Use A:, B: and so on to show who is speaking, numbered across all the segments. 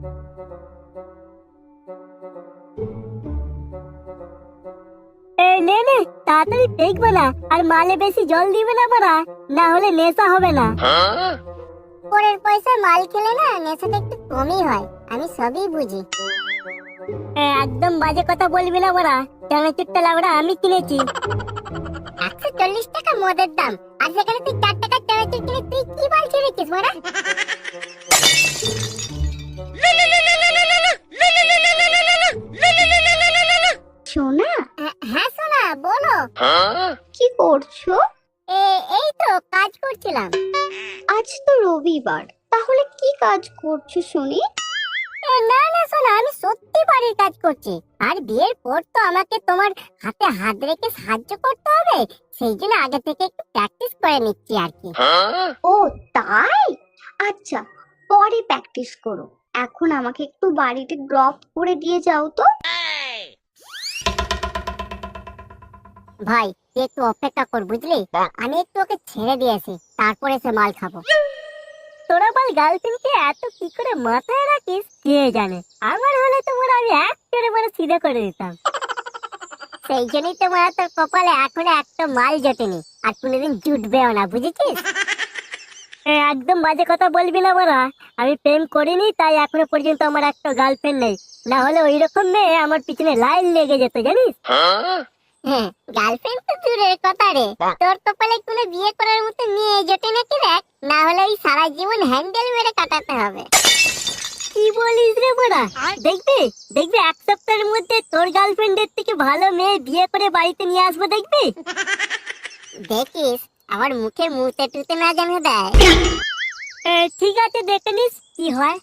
A: নে নে তাড়াতাড়ি দেখবে না, আর মালে বেশি জল দিবে না বাড়া, না হলে নেশা হবে না।
B: পরের পয়সায় মাল খেলে না নেশাটা একটু কমই হয়, আমি সবই বুঝি।
A: একদম বাজে কথা বলবি না বাড়া, চানাচুরটা লাউড়া আমি কিনেছি।
B: 140 টাকা মদের দাম, আর সেখানে তুই 4 টাকা চানাচুর কিনে তুই কি বাল ছেড়েছিস মারা?
C: সোনা,
B: হ্যাঁ সোনা বলো।
C: কি করছো?
B: এই তো কাজ করছিলাম।
C: আজ তো রবিবার, তাহলে কি কাজ করছো শুনি?
B: না না সোনা, আমি সত্যি বাড়ির কাজ করছি। আর বিয়ের পর তো আমাকে তোমার হাতে হাত রেখে সাহায্য করতে হবে, সেই জন্য আগে থেকে একটু প্র্যাকটিস করে নিচ্ছি আর কি।
C: ও তাই? আচ্ছা, পরে প্র্যাকটিস করো। এখন আমাকে একটু বাড়িতে ড্রপ করে দিয়ে যাও তো।
B: ভাই তুই একটু অপেক্ষা কর বুঝলি, আমি একটু ওকে ছেড়ে দিয়েছি, তারপরে সে মাল খাবো।
A: তোরা বল গার্লফ্রেন্ডকে এত কি করে মাথায় রাখিস কে জানে। আমার হলে তোমার আমি এক করে মানে সিধা করে দিতাম।
B: সেই জন্যই তো মারা তোর কপালে এখনো একটা মাল জটেনি, আর কোনোদিন জুটবেও না, বুঝেছিস?
A: একদম বাজে কথা বলবি না বাড়া, আমি প্রেম করিনি তাই এখনো পর্যন্ত আমার একটা গার্লফ্রেন্ড নেই, না হলে ওই রকম মেয়ে আমার পিছনে লাইন লেগে যেত জানিস।
B: হ্যাঁ, গার্লফ্রেন্ড তো দূরের কথা রে, তোর কপালে কোনো বিয়ে করার মতো মেয়ে জোটে নাকি দেখ, না হলে ওই সারা জীবন হ্যান্ডেল মেরে কাটাতে হবে।
A: কি বলিস রে বাড়া, দেখবি দেখবি এক সপ্তাহের মধ্যে তোর গার্লফ্রেন্ডের থেকে ভালো মেয়ে বিয়ে করে বাড়িতে নিয়ে আসবো দেখবি।
B: দেখিস আমার মুখে মুতে টুতে না জানে দেয়।
A: ঠিক আছে দেখে নিস কি হয়।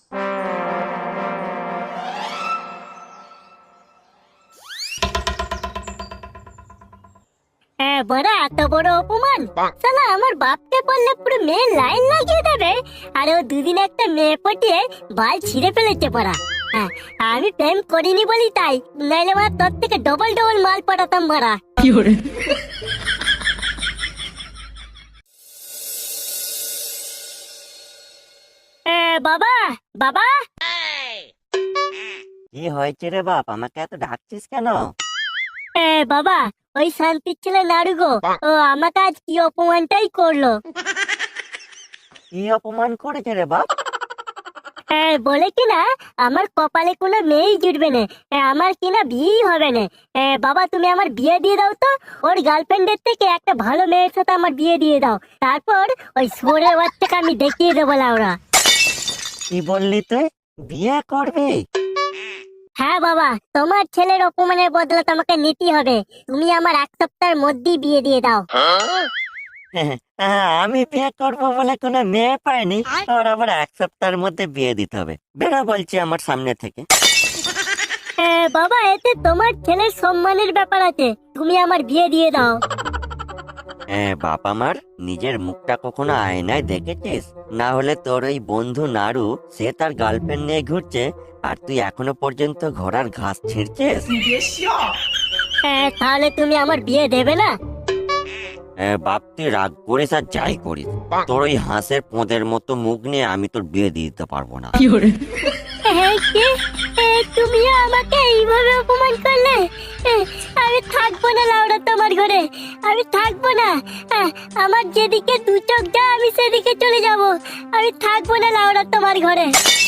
A: বড়া এত বড় অপমান, শালা আমার বাপকে বললে পুরো মেয়ে লাইন লাগিয়ে দেবে, আর ও দুদিন একটা মেয়ে পটিয়ে বাল ছিঁড়ে ফেলেছে পড়া। আমি প্রেম করিনি বলি তাই, নাইলে আমার তোর থেকে ডবল ডবল মাল পটাতাম মারা। বাবা বাবা,
D: কি হয়েছে রে বাপ, আমাকে এত ডাকছিস কেন?
A: বাবা ওই শান্তির ছেলে নাড়ু গো, ও আমাকে আজ কি অপমানটাই করলো।
D: কি অপমান করেছে রে বাপ?
A: বলে কিনা আমার কপালে কোনো মেয়েই জুটবে না, আমার কিনা বিয়েই হবে না। বাবা তুমি আমার বিয়ে দিয়ে দাও তো, ওর গার্লফ্রেন্ডের থেকে একটা ভালো মেয়ের সাথে আমার বিয়ে দিয়ে দাও, তারপর ওই সোরের বাচ্চাকে আমি দেখিয়ে দেবো লাউরা।
D: কি বললি তুই, বিয়ে করবি?
A: হ্যাঁ বাবা, তোমার ছেলের অপমানের বদলা তোমাকে নিতেই হবে, তুমি আমার এক সপ্তাহের মধ্যেই বিয়ে দিয়ে দাও।
D: আমি বিয়ে করবো বলে কোনো মেয়ে পাইনি, আর আবার এক সপ্তাহের মধ্যে বিয়ে দিতে হবে? বেড়া বলছি আমার সামনে থেকে।
A: বাবা এতে তোমার ছেলের সম্মানের ব্যাপার আছে, তুমি আমার বিয়ে দিয়ে দাও।
D: বাপ আমার, নিজের মুখটা কখনো আয়নায় দেখেছিস? না হলে তোর ওই বন্ধু নাড়ু, সে তার গার্লফ্রেন্ড নিয়ে ঘুরছে, আর তুই এখনো পর্যন্ত ঘোড়ার ঘাস ছিঁড়ছিস।
A: তাহলে তুমি আমার বিয়ে দেবে না?
D: বাপ তুই রাগ করিস আর যাই করিস, তোর ওই হাঁসের পোঁদের মতো মুখ নিয়ে আমি তোর বিয়ে দিয়ে দিতে পারবো না।
A: তুমি আমাকে এইভাবে অপমান করলে, আমি থাকবো না লাউড়া তোমার ঘরে, আমি থাকবো না। আমার যেদিকে দু চোখ যা আমি সেদিকে চলে যাব, আমি থাকবো না লাউড়া তোমার ঘরে।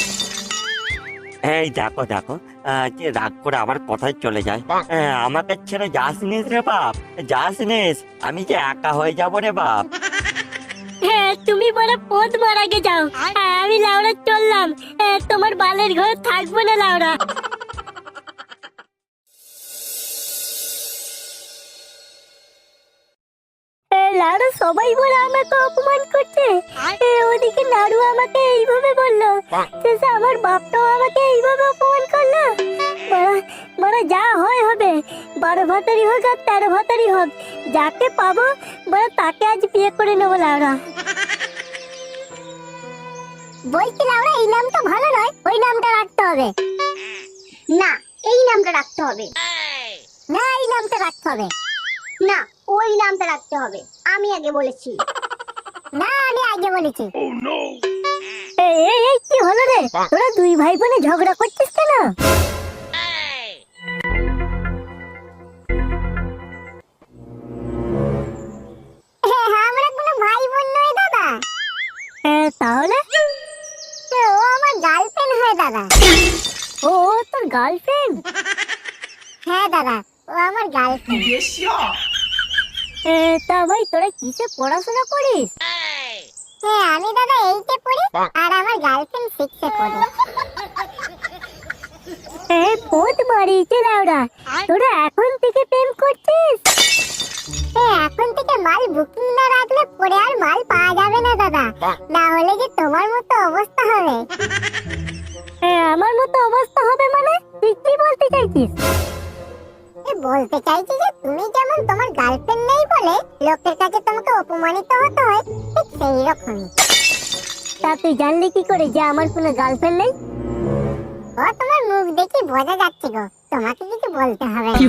D: এই দেখো দেখো, যে রাগ করে আবার কোথায় চলে যায়। আমাকে ছেড়ে যাস নিস রে বাপ, যাস নিস, আমি যে একা হয়ে যাবো রে বাপ।
A: তুমি বড় পথ মারা গে যাও, আমি লাউড়া চললাম, তোমার বালের ঘরে থাকবো না লাউড়া। লাউড়া সবাই বলে আমাকে অপমান করছে, ওদিকে নাড়ু আমাকে এইভাবে বললো, শেষে আমার বাপটাও আমাকে এইভাবে অপমান করলো। বড় যা হয় হবে, 12 ভাতারি হোক আর 13 ভাতারি হোক, যাকে পাবো বড় তাকে আজ বিয়ে করে নেবো লাউড়া।
B: বলছি লাউরা এই নামটা ভালো নয়, ওই নামটা রাখতে হবে।
C: না, এই নামটা রাখতে হবে।
B: না এই নামটা রাখতে হবে।
C: না, ওই নামটা রাখতে হবে, আমি আগে বলেছি।
B: না আমি আগে বলেছি।
A: এই কি হলো রে, তোরা দুই ভাই বোনে ঝগড়া করছিস কেন?
B: আমরা কোনো ভাই বোন নই দাদা।
A: তাহলে?
B: ও আমার গার্লফ্রেন্ড হয় দাদা।
A: ও তোর গার্লফ্রেন্ড?
B: হ্যাঁ দাদা, ও আমার গার্লফ্রেন্ড।
A: তা ভাই তোরা কিসে পড়াশোনা করিস?
B: হ্যাঁ আমি দাদা 8-এ পড়ি আর আমার গার্লফ্রেন্ড 6-এ পড়ে।
A: পোত মারিয়েছে লাউরা, তোরা এখন থেকে প্রেম করছিস?
B: এখন থেকে মাল বুকিং না রাখলে পরে আর মাল পাওয়া যাবে না দাদা, না হলে যে তোমার মতো অবস্থা হবে।
A: আমার মতো অবস্থা হবে মানে তুই কি বলতে চাইছিস?
B: বলতে চাইছি যে তুমি যেমন তোমার গার্লফ্রেন্ড নেই বলে লোকের কাছে তোমাকে অপমানিত হতে হয়, ঠিক সেই রকমই।
A: তা তুই জানলি কি করে যে আমার কোনো গার্লফ্রেন্ড নেই?
B: ও তোমার মুখ দেখি বোঝা যাচ্ছে গো, তোমাকে কিছু বলতে হবে না।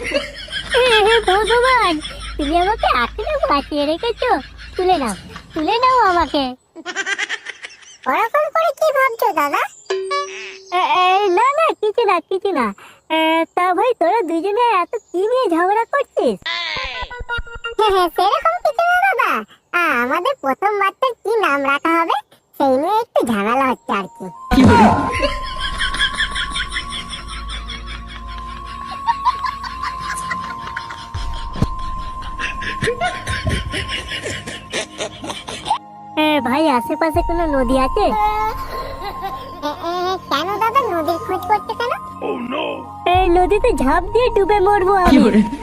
A: ভগবান, তুমি আমাকে এখনো বাঁচিয়ে রেখেছো। তুলে নাও আমাকে।
B: ওরকম করে কি ভাবছো দাদা?
A: না না, কিছু না। তা ভাই তোরা দুজনে এত কি নিয়ে ঝগড়া করছিস?
B: সেরকম কিছু না দাদা, আমাদের প্রথম বাচ্চার কি নাম রাখা হবে সেই নিয়ে একটু ঝামেলা হচ্ছে আর কি।
A: ভাই আশেপাশে কোনো নদী আছে?
B: কেন দাদা নদীর খোঁজ করতে কেন?
A: নদীতে ঝাঁপ দিয়ে ডুবে মরবো আমি।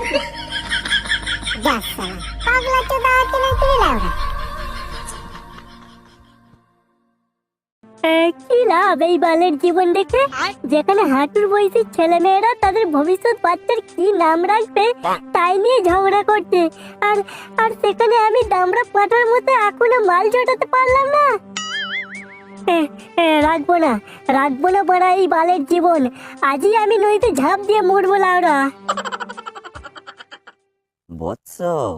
B: যাস শালা, পাগলা চোদা আছে নাকি রে লাউড়া?
A: কি লাভ এই বালের জীবন দেখে, যেখানে হাঁটুর বয়সী ছেলে মেয়েরা তাদের ভবিষ্যৎ বাচ্চার কি নাম রাখবে তাই নিয়ে ঝগড়া করছে, আর আর সেখানে আমি দামড়া পাটার মতো এখনো মাল জোটাতে পারলাম না। রাখবো না বড়া এই বালের জীবন। আজই আমি নদীতে ঝাঁপ দিয়ে মরবো লাউরা।
D: বৎস,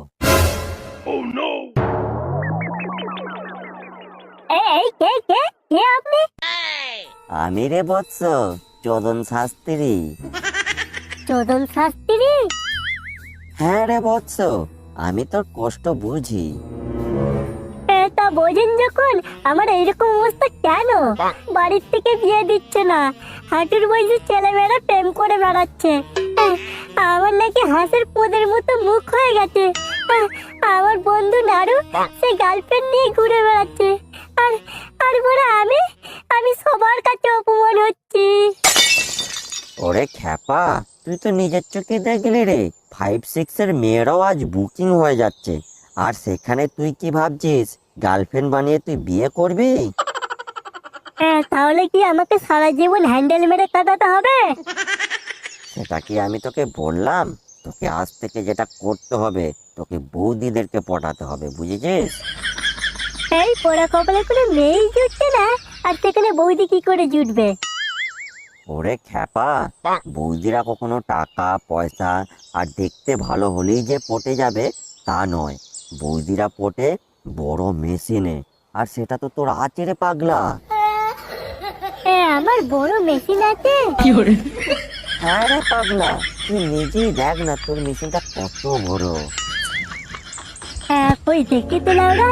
A: এই কে আপনি?
D: আমি রে বৎস, চোদন শাস্ত্রী।
A: চোদন শাস্ত্রী?
D: হ্যাঁ রে বৎস, আমি তোর কষ্ট বুঝি।
A: তা বোঝেন যখন, আমার এইরকম অবস্থা কেন? বাড়ির থেকে বিয়ে দিচ্ছে না, হাঁটুর বয়সী ছেলেমেয়েরা প্রেম করে বেড়াচ্ছে। আমার নাকি হাঁসের পোদের মতো মুখ হয়ে গেছে। আমার বন্ধু নাড়ু সে গার্লফ্রেন্ড নিয়ে ঘুরে বেড়াচ্ছে, আর আর বড় আমি সবার কাছে অপমান হচ্ছি।
D: ওরে খ্যাপা, তুই তো নিজের চোখে দেখলি রে, 5-6 এর মেয়েরাও আজ বুকিং হয়ে যাচ্ছে, আর সেখানে তুই কি ভাবছিস গার্লফ্রেন্ড বানিয়ে তুই বিয়ে করবি?
A: তাহলে কি আমাকে সারা জীবন হ্যান্ডেল মেরে কাটাতে হবে?
D: সেটা কি আমি তোকে বললাম? তোকে আজ থেকে যেটা করতে হবে, তোকে বৌদিদেরকে পটাতে হবে, বুঝেছিস?
A: এই পোড়া কপালে কোনো মেয়েই জুটছে না, আর সেখানে বৌদি কি করে জুটবে?
D: ওরে খ্যাপা, বৌদিরা কখনো টাকা পয়সা আর দেখতে ভালো হলেই যে পটে যাবে তা নয়। বৌদিরা পটে বড় মেশিনে, আর সেটা তো তোর আছে রে পাগলা।
A: আমার বড় মেশিন আছে?
D: হ্যাঁ রে পাগলা, তুই নিজেই দেখ না তোর মেশিনটা কত বড়।
A: কই দেখি তো লাউরা।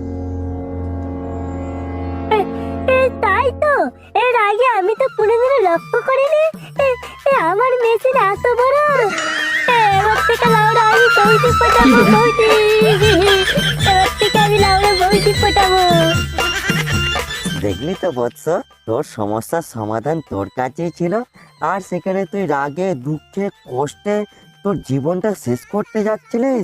A: তাই তো, এর আগে আমি তো কোনোদিনও লক্ষ্য করিনি আমার মেশিন এত বড়। এবার থেকে লাউরা আমি বৌদি পটাবো, বৌদি। এবার থেকে আমি লাউরা বৌদি পটাবো।
D: দেখলি তো বৎস, তোর সমস্যার সমাধান তোর কাছেই ছিল, আর সেখানে তুই রাগে দুঃখে কষ্টে তোর জীবনটা শেষ করতে যাচ্ছিলিস।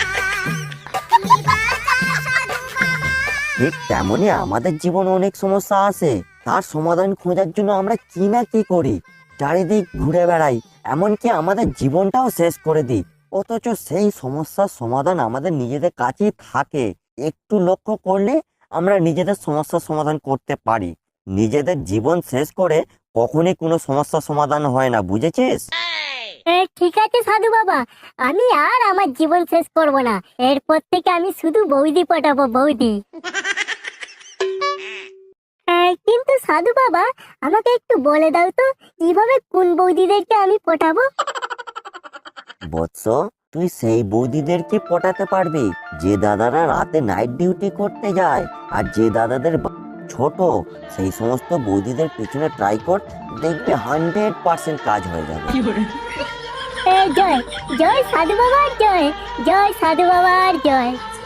D: ঠিক তেমনই আমাদের জীবনে অনেক সমস্যা আসে, তার সমাধান খোঁজার জন্য আমরা কি না কি করি, চারিদিক ঘুরে বেড়াই, এমনকি আমাদের জীবনটাও শেষ করে দিই, অথচ সেই সমস্যার সমাধান আমাদের নিজেদের কাছেই থাকে। একটু লক্ষ্য করলে আমরা নিজেদের সমস্যার সমাধান করতে পারি। নিজেদের জীবন শেষ করে কখনই কোনো সমস্যার সমাধান হয় না, বুঝেছিস?
A: ঠিক আছে সাধু বাবা, আমি আর আমার জীবন শেষ করব না। এরপর থেকে আমি শুধু বৌদি পটাবো, বৌদি। কিন্তু সাধু বাবা, আমাকে একটু বলে দাও তো কিভাবে কোন বৌদিদেরকে আমি পটাবো?
D: বৎস, তুই সেই বৌদিদেরকে পটাতে পারবি যে দাদারা রাতে নাইট ডিউটি করতে যায়, আর যে দাদাদের ছোট, সেই সমস্ত বৌদিদের পিছনে ট্রাই কর, দেখবে 100% কাজ হয়ে যাবে।
A: জয় জয় সাধু বাবার জয়, জয় সাধু বাবার জয়।